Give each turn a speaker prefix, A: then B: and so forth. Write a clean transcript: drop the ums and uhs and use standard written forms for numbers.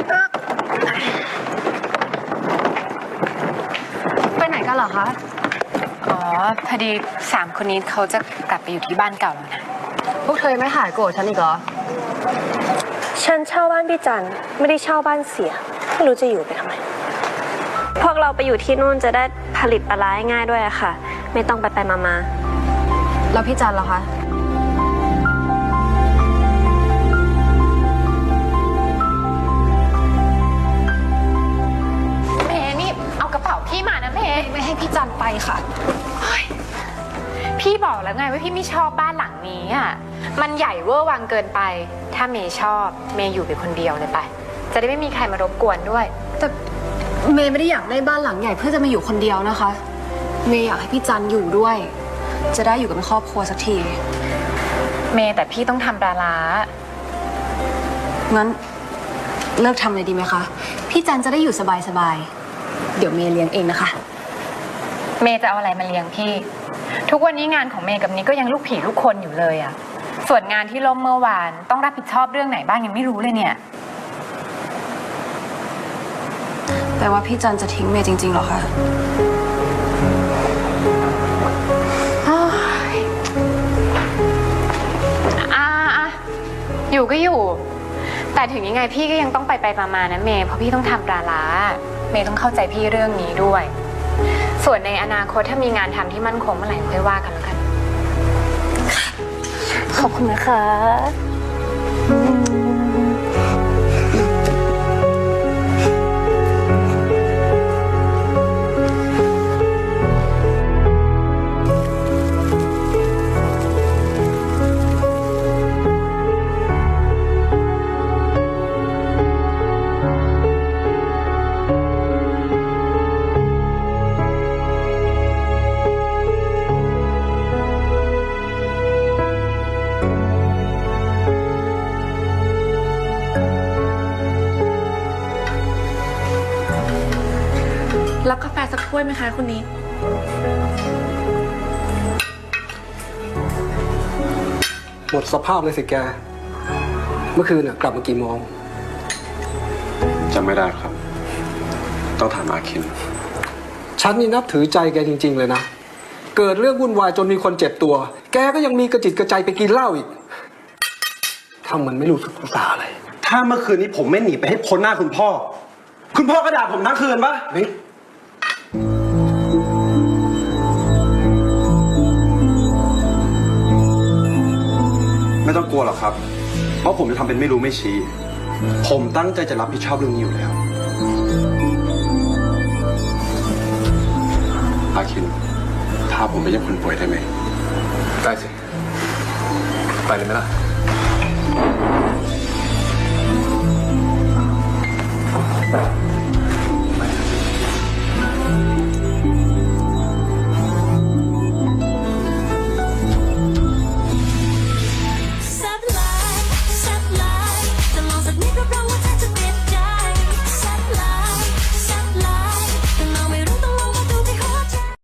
A: ไปไหนกันเหรอคะ
B: อ๋อพอดี3 คนนี้เขาจะกลับไปอยู่ที่บ้านเก่าแล้วนะ
A: พวกเธอยังไม่หายโกรธฉันอีกเหรอ
C: ฉันเช่าบ้านพี่จันไม่ได้เช่าบ้านเสียไม่รู้จะอยู่ไปทำไมพวกเราไปอยู่ที่นู่นจะได้ผลิตปลาร้าง่ายด้วยอะค่ะไม่ต้องไปมา
A: แล้วพี่จันเหรอคะ
B: เมย์นี่เอากระเป๋าพี่มานะเมย์
A: ไม่ให้พี่จันไปค่ะ
B: พี่บอกแล้วไงว่าพี่ไม่ชอบบ้านหลังนี้อ่ะมันใหญ่เวอร์วังเกินไปถ้าเมย์ชอบเมย์อยู่ไปคนเดียวเลยไปจะได้ไม่มีใครมารบกวนด้วย
A: แต่เมย์ไม่ได้อยากได้บ้านหลังใหญ่เพื่อจะมาอยู่คนเดียวนะคะเมย์อยากให้พี่จันอยู่ด้วยจะได้อยู่กับครอบครัวสักที
B: เมย์แต่พี่ต้องทำปลาร้า
A: งั้นเลิกทำเลยดีไหมคะพี่จันจะได้อยู่สบายๆเดี๋ยวเมย์เลี้ยงเองนะคะ
B: เมย์จะเอาอะไรมาเลี้ยงพี่ทุกวันนี้งานของเมย์กับนี้ก็ยังลูกผีลูกคนอยู่เลยอ่ะส่วนงานที่ล่มเมื่อวานต้องรับผิดชอบเรื่องไหนบ้างยังไม่รู้เลยเนี่ย
A: แต่ว่าพี่จันจะทิ้งเมย์จริงๆหรอคะ
B: อยู่ก็อยู่แต่ถึงยังไงพี่ก็ยังต้องไปมานะเมย์เพราะพี่ต้องทำปลาร้าเมย์ต้องเข้าใจพี่เรื่องนี้ด้วยส่วนในอนาคตถ้ามีงานทำที่มั่นคงเมื่อไหร่ค่อยว่ากันแล้วกัน
C: ขอบคุณนะคะ
D: รับกาแฟสักถ้วยไหมคะคุณนิด
E: หมดสภาพเลยสิแกเมื่อคืนน่ะกลับมากี่โมง
F: จำไม่ได้ครับต้องถามอาคิน
E: ฉันนี่นับถือใจแกจริงๆเลยนะเกิดเรื่องวุ่นวายจนมีคนเจ็บตัวแกก็ยังมีกระจิตกระใจไปกินเหล้าอีกทำเหมือนไม่รู้สึกภาษาอะไร
F: ถ้าเมื่อคืนนี้ผมไม่หนีไปให้พ้นหน้าคุณพ่อก็ด่าผมทั้งคืนปะ
E: นี่
F: ไม่ต้องกลัวหรอกครับเพราะผมจะทำเป็นไม่รู้ไม่ชี้ผมตั้งใจจะรับผิดชอบเรื่องนี้อยู่แล้วอาคินพาผมไปเยี่ยมคนป่วยได้ไหม
G: ได้สิไปเลยไหมล่ะ